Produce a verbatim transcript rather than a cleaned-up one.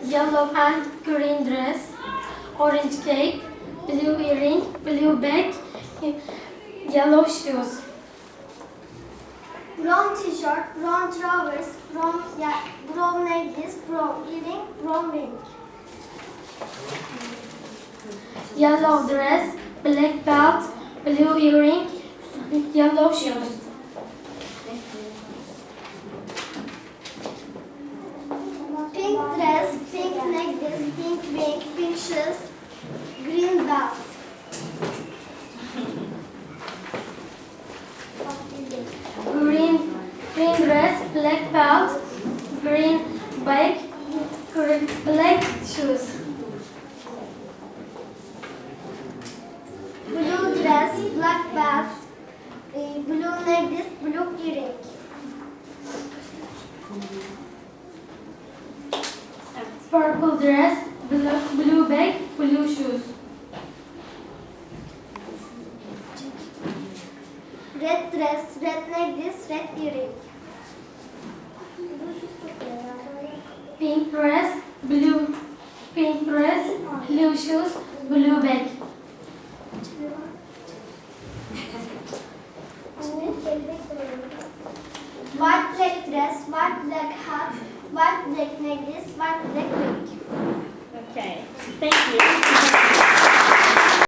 yellow and green dress, orange cake, blue earring, blue bag, yellow shoes. Brown t-shirt, brown trousers, brown, yeah, brown necklace, brown earring, brown ring. Yellow dress, black belt, blue earring, yellow shoes. Pink dress, pink necklace, pink ring, pink shoes, green belt. Green, green dress, black belt, green bag, green, black shoes. Blue dress, black belt, uh, blue necklace, blue earring. Purple dress, blue, blue bag, blue shoes. Red dress, red necklace, red earring. Pink dress, blue, pink dress, blue shoes, blue bag. White black dress, white black hat, white black necklace, white black ring. Okay, thank you.